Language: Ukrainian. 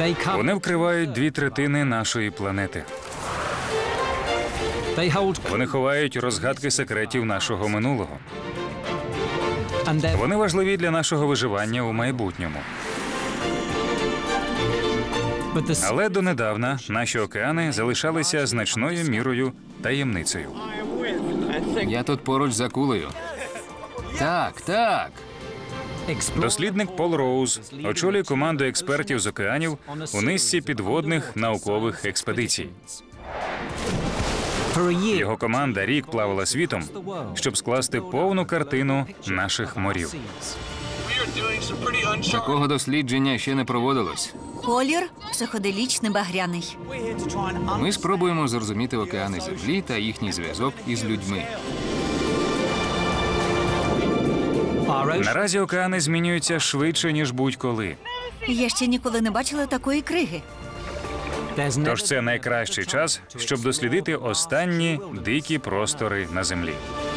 Вони вкривають 2/3 нашої планети. Вони ховають розгадки секретів нашого минулого. Вони важливі для нашого виживання у майбутньому. Але донедавна наші океани залишалися значною мірою таємницею. Я тут поруч з акулею. Так, так. Дослідник Пол Роуз очолює команду експертів з океанів у низці підводних наукових експедицій. Його команда рік плавала світом, щоб скласти повну картину наших морів. Такого дослідження ще не проводилось. Колір психоделічний багряний. Ми спробуємо зрозуміти океани Землі та їхній зв'язок із людьми. Наразі океани змінюються швидше, ніж будь-коли. Я ще ніколи не бачила такої криги. Тож це найкращий час, щоб дослідити останні дикі простори на Землі.